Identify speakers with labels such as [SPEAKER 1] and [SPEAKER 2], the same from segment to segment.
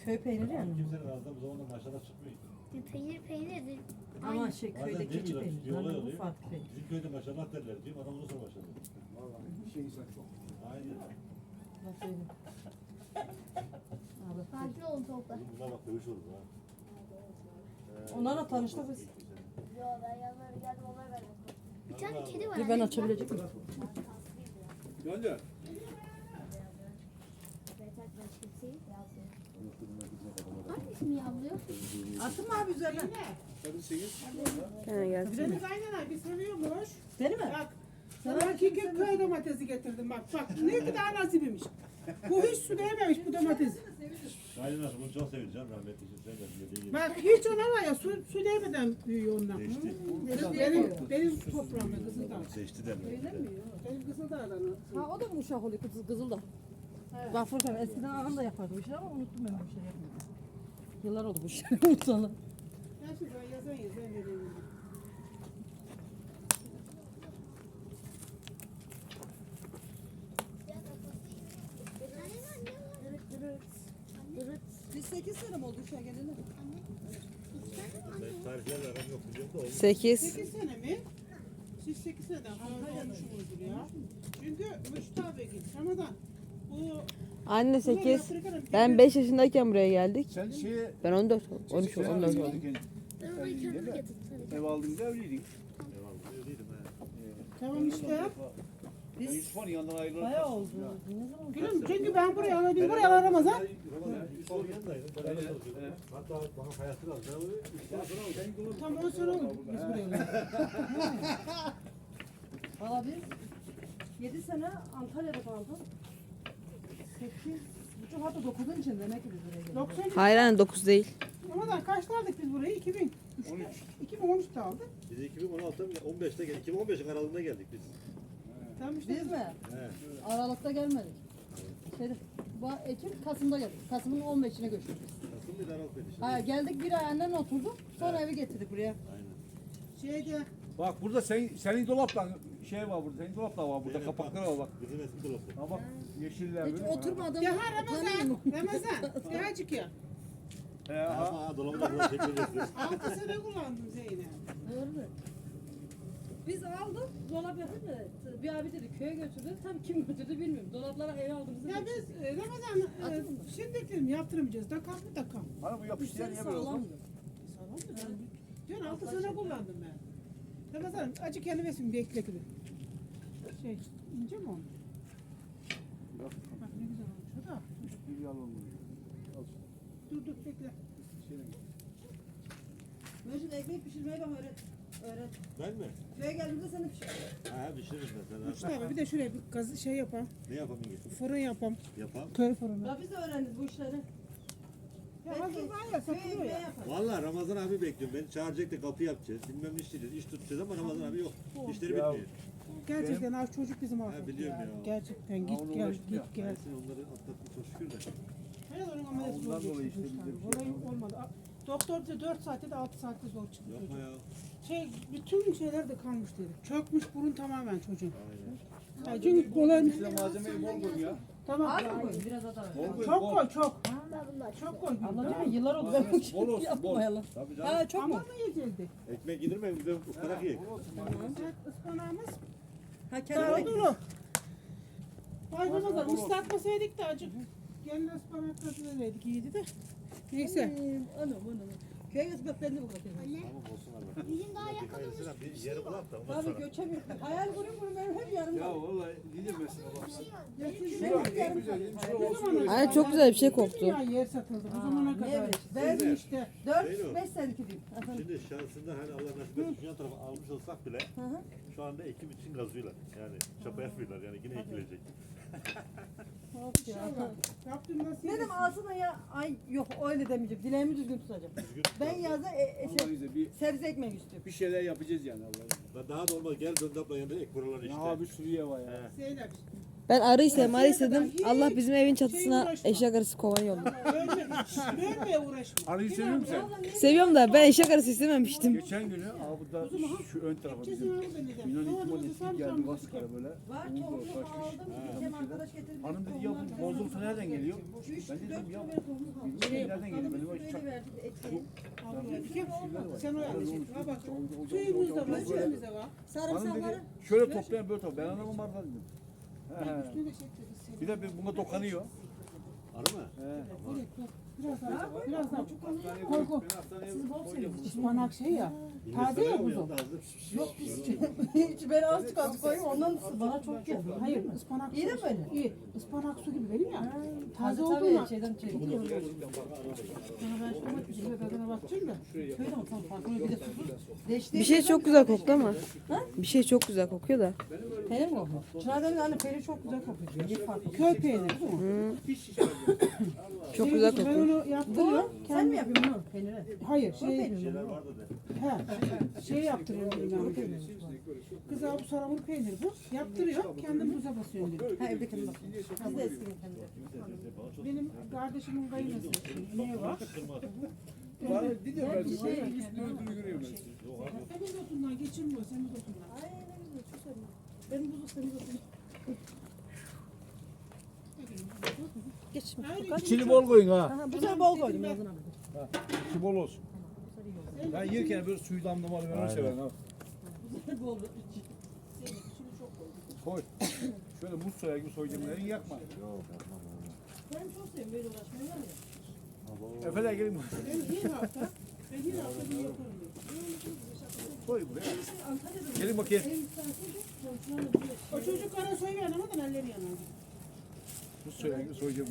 [SPEAKER 1] Köy peyniri yani.
[SPEAKER 2] Kimsenin ağzından bu zamanda maşallah çıkmıyor.
[SPEAKER 3] Peynir.
[SPEAKER 1] Ama şey
[SPEAKER 2] Bazen
[SPEAKER 1] köyde keçi
[SPEAKER 2] demiyorlar,
[SPEAKER 1] peyniri.
[SPEAKER 2] bir olay
[SPEAKER 1] Bu
[SPEAKER 2] oluyor.
[SPEAKER 1] farklı peynir.
[SPEAKER 2] Bizim köyde maşallah derler diyor. Adam onu sonra maşallah.
[SPEAKER 4] Vallahi bir şey insan çok.
[SPEAKER 2] Aynen.
[SPEAKER 1] Nasıl öyle? Abi.
[SPEAKER 3] Sakin olun topla.
[SPEAKER 2] Bunlar bak dövüş olur ha.
[SPEAKER 1] Onlarla tanıştık biz.
[SPEAKER 3] Yo ben yanlarına geldim onlar verdim. Bir tane kedi var.
[SPEAKER 1] Dur ben açabilecek miyim?
[SPEAKER 4] Gönder.
[SPEAKER 3] Hangisi mi yavruyor?
[SPEAKER 1] Attın mı abi üzerine?
[SPEAKER 4] Tabii 8.
[SPEAKER 1] He gelsin.
[SPEAKER 5] Deniz aynen abi seviyormuş.
[SPEAKER 1] Seni mi?
[SPEAKER 5] Bak sana hakiki köy domatesi getirdim bak. Bak ne kadar nasibiymiş. Bu hiç su değmemiş bu domates.
[SPEAKER 2] Aynen nasıl bunu çok seveceğim rahmetli için sen de dediğin gibi.
[SPEAKER 5] Bak hiç ona var ya su değmeden büyüyor onlar.
[SPEAKER 2] Seçti.
[SPEAKER 5] Benim toprağımda Kızıldağ.
[SPEAKER 2] Seçti derler.
[SPEAKER 5] Benim Kızıldağ'dan.
[SPEAKER 1] Ha o da mı uşak oluyor kızıl da. Bak Furkan eskiden ağam da yapardı bu işleri ama unuttum ben bu işleri yapmayı. Yıllar oldu bu işleri unutalı.
[SPEAKER 5] Ben şimdi yazan vereyim.
[SPEAKER 1] Biz 8 sene mi oldu uşağa geleli?
[SPEAKER 2] Ben tariflerle aram yok biliyorum da olmuş.
[SPEAKER 6] 8.
[SPEAKER 5] 8 sene mi? Siz 8 seneden fazla olmuşsunuzdur ya. Çünkü Müştah Bey git. Ramazan. Bu
[SPEAKER 6] Anne 8. Ben 5 yaşındayken buraya geldik.
[SPEAKER 4] Sen şeye...
[SPEAKER 6] Ben 14, 13,
[SPEAKER 4] sen
[SPEAKER 6] 14
[SPEAKER 4] evliydin
[SPEAKER 6] oldum.
[SPEAKER 4] kendi- evliydin değil mi? Ev aldığında evliydin.
[SPEAKER 2] Eyvallah öyleydim ha.
[SPEAKER 5] tamam işte.
[SPEAKER 4] Ben Yusuf'un yanından ayrılarak...
[SPEAKER 1] Bayağı oldu. Ne zaman?
[SPEAKER 5] Gülüm çünkü ben buraya alabildim. Buraya al Ramazan.
[SPEAKER 2] Ramazan Yusuf'un yanındaydım. Beraber çalışıyorduk. Hatta bana hayatı lazım. Ben onu 3 sene sonra aldım.
[SPEAKER 5] Tam 10 sene oldu biz buraya alalı.
[SPEAKER 1] Valla biz 7 sene Antalya'da kaldım. 8, buçuk hatta 9'un için demek ki biz buraya geldik.
[SPEAKER 5] 90
[SPEAKER 6] Hayır anne 9 değil.
[SPEAKER 5] Ramazan kaçta aldık biz burayı? 2000. 2013'te aldık.
[SPEAKER 2] Biz 2016'da 15'te geldik. 2015'in aralığında geldik biz.
[SPEAKER 5] Tamam işte.
[SPEAKER 1] Biz mi?
[SPEAKER 2] He.
[SPEAKER 1] Aralıkta gelmedik. Şeyde, bu Ekim, Kasım'da geldik. Kasım'ın 15'ine göçtük biz.
[SPEAKER 2] Nasıl bir aralık dedi şimdi.
[SPEAKER 1] Ha, geldik bir ay annen oturduk. Sonra evi getirdik buraya.
[SPEAKER 2] Aynen.
[SPEAKER 5] Şeyde
[SPEAKER 4] Bak burada senin dolaptan şey var burada. Senin dolaplar var burada.
[SPEAKER 2] Benim
[SPEAKER 4] Kapaklar var bak.
[SPEAKER 2] Bizim eski dolapta.
[SPEAKER 4] Ha bak yeşiller
[SPEAKER 1] Hiç
[SPEAKER 4] böyle.
[SPEAKER 1] oturmadım.
[SPEAKER 5] ya ha Ramazan. Ya azıcık ya.
[SPEAKER 4] He ha.
[SPEAKER 2] Ama dolabı da burada çekmeyeceğiz.
[SPEAKER 5] 6 sene kullandım Zeynep.
[SPEAKER 1] Doğru. Biz aldık, dolap yapınca bir abi dedi köye götürdü. Tam kim götürdü bilmiyorum. Dolaplara eve aldığımızı
[SPEAKER 5] Ya biz Ramazan şimdi dedim yaptırmayacağız. Takam mı takam?
[SPEAKER 4] Bana bu yapıştı niye böyle oldu?
[SPEAKER 1] sağlamdı.
[SPEAKER 5] Sağlam mı? Diyor 6 sene kullandım ben. Ramazan acı kendi versin bekle gibi. Şey ince mi olmuş?
[SPEAKER 4] Bak,
[SPEAKER 5] Bak ne güzel olmuş o da.
[SPEAKER 4] bir yalan oluyor. Al
[SPEAKER 5] Dur bekle.
[SPEAKER 4] şöyle.
[SPEAKER 1] Mecnun ekmek pişirmeyi bak öğret. Öğret.
[SPEAKER 2] Ben mi?
[SPEAKER 1] Köye geldiğimde seni pişir.
[SPEAKER 2] Ha pişiririm ben sana.
[SPEAKER 5] Mustafa bir de şuraya bir gaz şey yapalım.
[SPEAKER 2] Ne yapalım ki?
[SPEAKER 5] Fırın yapalım.
[SPEAKER 2] Yapalım.
[SPEAKER 5] Köy fırını.
[SPEAKER 1] Ya biz de öğrendik bu işleri.
[SPEAKER 5] Ya hazır var ya
[SPEAKER 1] Köye
[SPEAKER 5] satılıyor
[SPEAKER 1] ekmeği
[SPEAKER 5] ya.
[SPEAKER 1] yapar.
[SPEAKER 2] Valla Ramazan abi bekliyorum. Beni çağıracak da kapı yapacağız. Bilmem ne işleyeceğiz. İş tutacağız ama Ramazan abi yok. İşleri
[SPEAKER 4] Ya.
[SPEAKER 2] bitmiyor.
[SPEAKER 5] Gerçekten az çocuk bizim affetti
[SPEAKER 2] biliyorum ya.
[SPEAKER 5] Gerçekten
[SPEAKER 4] Ha,
[SPEAKER 5] git
[SPEAKER 4] onu
[SPEAKER 5] gel
[SPEAKER 4] uğraştım ya.
[SPEAKER 5] git gel.
[SPEAKER 2] Neyse onları atlattık çok şükür de.
[SPEAKER 5] Hayır onun ameliyatı
[SPEAKER 4] ondan
[SPEAKER 5] zor
[SPEAKER 4] dolayı
[SPEAKER 5] geçti.
[SPEAKER 4] işte bizde bir şey
[SPEAKER 5] Olayı olmadı. Doktor da 4 saatte de 6 saatte zor çıktı
[SPEAKER 2] Yapma
[SPEAKER 5] çocuk.
[SPEAKER 2] ya.
[SPEAKER 5] Şey bütün şeyler de kalmış dedi. Çökmüş burun tamamen çocuğun.
[SPEAKER 2] Aynen.
[SPEAKER 5] Ya çünkü kolay
[SPEAKER 4] Size malzemeyi bol koyun ya.
[SPEAKER 5] tamam.
[SPEAKER 1] Az mı koyun? Biraz daha var.
[SPEAKER 4] Bol koyun
[SPEAKER 5] Çok
[SPEAKER 4] bol.
[SPEAKER 5] koy çok.
[SPEAKER 3] Ben bunlar.
[SPEAKER 5] Çok koy.
[SPEAKER 1] Anladın mı? Yıllar oldu ben bu
[SPEAKER 4] Bol
[SPEAKER 1] işi
[SPEAKER 4] olsun,
[SPEAKER 1] yapmayalım.
[SPEAKER 2] Tabii canım.
[SPEAKER 1] Ha çok
[SPEAKER 5] Ama
[SPEAKER 1] mu?
[SPEAKER 5] mı yiyecektik?
[SPEAKER 2] Ekmek yedirmeyin bir de ıspanak yiyin.
[SPEAKER 5] Sıcak ıspanağımız
[SPEAKER 1] Ha
[SPEAKER 5] daha
[SPEAKER 1] kendine.
[SPEAKER 5] dolu. Vay Ramazan ıslatmasaydık da acık. Gelin ıspanakları vereydik iyiydi de. Neyse.
[SPEAKER 1] Anam. Köye götürmek ben de bu kadar.
[SPEAKER 2] Tamam olsun abi.
[SPEAKER 3] Bizim daha
[SPEAKER 2] Dikkat etsene bir yeri bulak da ondan
[SPEAKER 1] Abi
[SPEAKER 2] sonra.
[SPEAKER 1] göçemiyorum. Hayal kuruyorum benim hep yanımda.
[SPEAKER 4] Ya vallahi gidemezsin Allah'ım.
[SPEAKER 1] Benim hep yanımda.
[SPEAKER 6] Anne çok güzel bir şey koktu.
[SPEAKER 5] Ya yer satıldı bu zamana kadar.
[SPEAKER 1] evet.
[SPEAKER 5] Verdim işte.
[SPEAKER 1] 4-5 senelik diyeyim.
[SPEAKER 2] Şimdi şansından hani Allah nasip etsin yan tarafa almış olsak bile şu anda ekim için gazıyorlar. Yani çapa yapmıyorlar yani yine ekilecek.
[SPEAKER 5] İnşallah. Rabbim nasip
[SPEAKER 1] Ne dedim
[SPEAKER 5] etsin.
[SPEAKER 1] aslında ya ay yok öyle demeyeceğim. Dileğimi düzgün tutacağım. Ben yazda
[SPEAKER 4] Allah bize bir
[SPEAKER 1] sebze ekmek istiyorum.
[SPEAKER 4] bir şeyler yapacağız yani Allah'ım.
[SPEAKER 2] Lan daha da olmaz gel döndü abla yanında ek buralar işte.
[SPEAKER 4] Ya bir sürü yer var ya.
[SPEAKER 5] Zeynep.
[SPEAKER 6] Ben arı istedim. Allah bizim evin çatısına eşek arısı kovan yolladı.
[SPEAKER 5] Dönmeye uğraşma.
[SPEAKER 4] Arıyı seviyor musun sen?
[SPEAKER 6] Seviyorum da ben eşek arısı istememiştim.
[SPEAKER 4] Geçen günü burada şu ön tarafa bizim
[SPEAKER 5] Kesin al beni de.
[SPEAKER 4] Yunan
[SPEAKER 5] Havada
[SPEAKER 4] İtimat
[SPEAKER 5] bizi
[SPEAKER 4] eski
[SPEAKER 5] sam
[SPEAKER 4] geldi
[SPEAKER 5] sam
[SPEAKER 4] Baskara böyle.
[SPEAKER 1] Var
[SPEAKER 4] Umut
[SPEAKER 1] tohum
[SPEAKER 4] taşmış.
[SPEAKER 1] aldım. Geçen arkadaş getirdi
[SPEAKER 4] Hanım dedi ya bu bozultu nereden geliyor? Ben dedim ya bilmiyorum nereden geliyor. Benim o çak.
[SPEAKER 5] Sen o yanlış. Ha bak. Suyumuz da var, şeyimiz de var.
[SPEAKER 4] Hanım dedi şöyle toplayan böyle toplayan. Ben anlamam arada dedim. He he.
[SPEAKER 5] Üstüne de şey çekeriz.
[SPEAKER 4] Bir de buna dokunuyor.
[SPEAKER 2] Arı mı?
[SPEAKER 4] He.
[SPEAKER 5] Biraz daha, biraz daha.
[SPEAKER 4] Koy koy. Ben hastaneye
[SPEAKER 5] Ispanak şey ya. Taze ya buzu.
[SPEAKER 1] Hiç ben azıcık az koyayım ondan bana çok geldi.
[SPEAKER 5] Hayır, ıspanak
[SPEAKER 1] İyi de
[SPEAKER 5] su.
[SPEAKER 1] böyle.
[SPEAKER 5] İyi. Ispanak su gibi benim ya. Taze
[SPEAKER 1] Taze
[SPEAKER 5] olduğuna.
[SPEAKER 1] tabii şeyden çekiyor.
[SPEAKER 5] Sana ben şuna bakayım, tadına bakacağım da.
[SPEAKER 1] Köyde mi? Tamam farklı bir de susuz. Değişti.
[SPEAKER 6] Bir şey çok güzel koktu ama. Bir şey çok güzel kokuyor da.
[SPEAKER 1] Peynir mi kokuyor? Çınar'dan hani peynir çok güzel kokuyor. Bir farklı.
[SPEAKER 5] Köy peyniri değil mi?
[SPEAKER 6] Çok güzel
[SPEAKER 5] Ben
[SPEAKER 6] kokuyor.
[SPEAKER 5] onu yaptırıyorum.
[SPEAKER 1] Sen mi yapıyorsun bunu peyniri?
[SPEAKER 5] Hayır,
[SPEAKER 1] O
[SPEAKER 5] şey,
[SPEAKER 1] peynir mi?
[SPEAKER 2] Şeyler vardı de.
[SPEAKER 5] şey yaptırıyorum yani. Kız abi salamur peynir bu. Yaptırıyor, kendim buza basıyorum dedim.
[SPEAKER 1] Ha evde kendi bakıyor. Biz de eskiden kendi
[SPEAKER 5] Benim kardeşimin kayınası. Niye var?
[SPEAKER 4] Bana gidiyor ben de. Üstünü öldürü görüyorum ben.
[SPEAKER 5] Senin otundan geçirmiyor, senin otundan.
[SPEAKER 1] Benim buzu senin buzu. Geç.
[SPEAKER 4] İçini bol koyun ha.
[SPEAKER 1] Aha, bu sefer bol koydum yazın abi.
[SPEAKER 4] İçi bol olsun. Ben yerken böyle suyu damlamalı ben onu severim ha.
[SPEAKER 1] Bol.
[SPEAKER 4] Koy. Şöyle muz soya gibi soyacağım. Elini yakma.
[SPEAKER 1] Ben çok seviyorum böyle uğraşmayı var ya.
[SPEAKER 4] Efeler gelin.
[SPEAKER 5] Ben bir hafta bunu yaparım.
[SPEAKER 4] Koy buraya. Gelin bakayım.
[SPEAKER 5] O çocuklara soy vermeden elleri yanar.
[SPEAKER 4] Muz soya gibi soyacağım.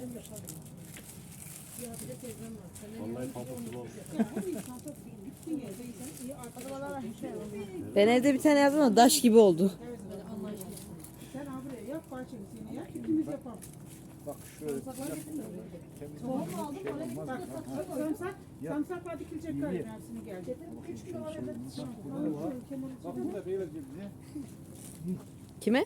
[SPEAKER 2] Vallahi pamuk gibi olmuş.
[SPEAKER 6] Ben evde bir tane yaptım ama daş gibi oldu.
[SPEAKER 5] Sen abi buraya yap bahçeni seni yap. İkimiz yapalım.
[SPEAKER 4] Bak şöyle.
[SPEAKER 1] Tohum aldım oraya
[SPEAKER 5] Bak samsak var dikilecek galiba Mersin'e geldi.
[SPEAKER 1] 3 kilo var evde.
[SPEAKER 4] Bak bunu da beyler gibi bize.
[SPEAKER 6] Kime?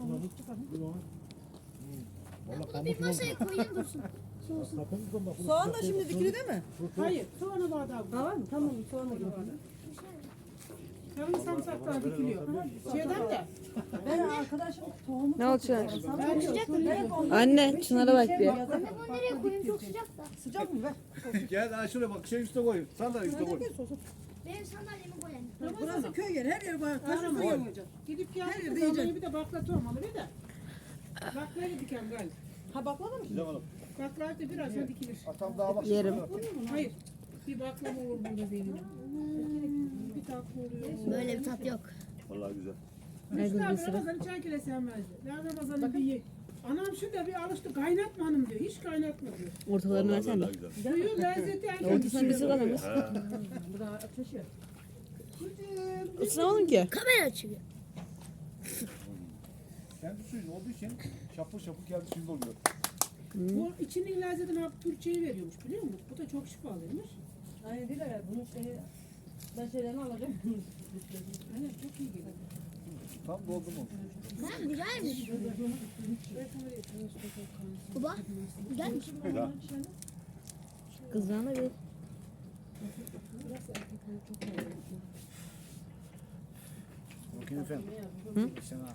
[SPEAKER 3] Bir masaya koyayım dursun.
[SPEAKER 1] Soğan da şimdi dikili değil mi?
[SPEAKER 5] Hayır soğanı bardağı bu.
[SPEAKER 1] Ha var mı? Tamam soğan da dikili.
[SPEAKER 5] Tabii samsaklar dikiliyor. Şeyden de.
[SPEAKER 1] Ben arkadaşım tohumu
[SPEAKER 6] Ne olacak?
[SPEAKER 5] Ben şöyle
[SPEAKER 6] Anne Çınar'a bak bir.
[SPEAKER 3] Anne bunu nereye koyayım çok sıcak da.
[SPEAKER 1] Sıcak mı be?
[SPEAKER 4] Gel daha şuraya bak. Şey üstüne koyun. Sandalye üstüne koyun.
[SPEAKER 3] Benim sandalyemi koy anne.
[SPEAKER 1] Burası köy yeri. Her yer var. Taşı
[SPEAKER 5] Kahraman.
[SPEAKER 1] koyulmayacak.
[SPEAKER 5] Gidip
[SPEAKER 1] Her
[SPEAKER 5] geldik
[SPEAKER 1] yerde
[SPEAKER 5] zamanı
[SPEAKER 1] yiyecek.
[SPEAKER 5] bir de baklatı olmalı bir de. Baklayı dikem galiba.
[SPEAKER 1] Ha baklava mı?
[SPEAKER 2] Gidem hanım.
[SPEAKER 5] Baklayı da birazdan dikilir.
[SPEAKER 4] Atam daha bak.
[SPEAKER 6] Yerim.
[SPEAKER 5] Hayır. Bir baklava olur burada benim. Bir tatlı oluyor.
[SPEAKER 3] Böyle bir tat yok.
[SPEAKER 2] Vallahi güzel.
[SPEAKER 5] Mustafa abi Ramazan'ı çay kere sevmezdi. Ya Ramazan'ı bir ye. Anam şu da bir alıştı kaynatma hanım diyor. Hiç kaynatma diyor.
[SPEAKER 6] Ortalarını
[SPEAKER 2] Vallahi
[SPEAKER 6] versene.
[SPEAKER 2] vallahi güzel.
[SPEAKER 5] Suyu lezzeti en
[SPEAKER 6] Ortasına
[SPEAKER 5] kötüsü.
[SPEAKER 6] bir sıra mı?
[SPEAKER 1] Bu da ateş ya.
[SPEAKER 6] Isınamadım ki.
[SPEAKER 3] Kamera açıyor.
[SPEAKER 4] Kendi suyun olduğu için şapır şapır kendi suyunda oluyor.
[SPEAKER 5] Bu içinin lezzetini hap Türkçe'yi veriyormuş biliyor musun? Bu da çok şifalıymış.
[SPEAKER 1] Aynen değil ya. Bunun şeyi ben şeylerini alacağım.
[SPEAKER 5] Aynen çok iyi geliyor.
[SPEAKER 4] Tam doldu mu?
[SPEAKER 3] Ha güzelmiş. Baba güzelmiş.
[SPEAKER 2] Ya.
[SPEAKER 6] Kızlarına bir.
[SPEAKER 4] Bakın efendim. Sen ha.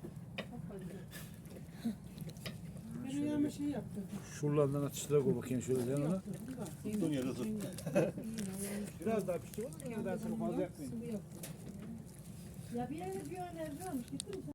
[SPEAKER 5] Ben ayağıma şey yaptım.
[SPEAKER 4] Şuralardan atıştıra koy bakayım şöyle sen ona.
[SPEAKER 2] Tuttuğun yerde tut.
[SPEAKER 4] Biraz daha pişti olur mu? Ben sana fazla yakmayayım.
[SPEAKER 1] Ya bir yere bir önerdi varmış. Gittin mi sen?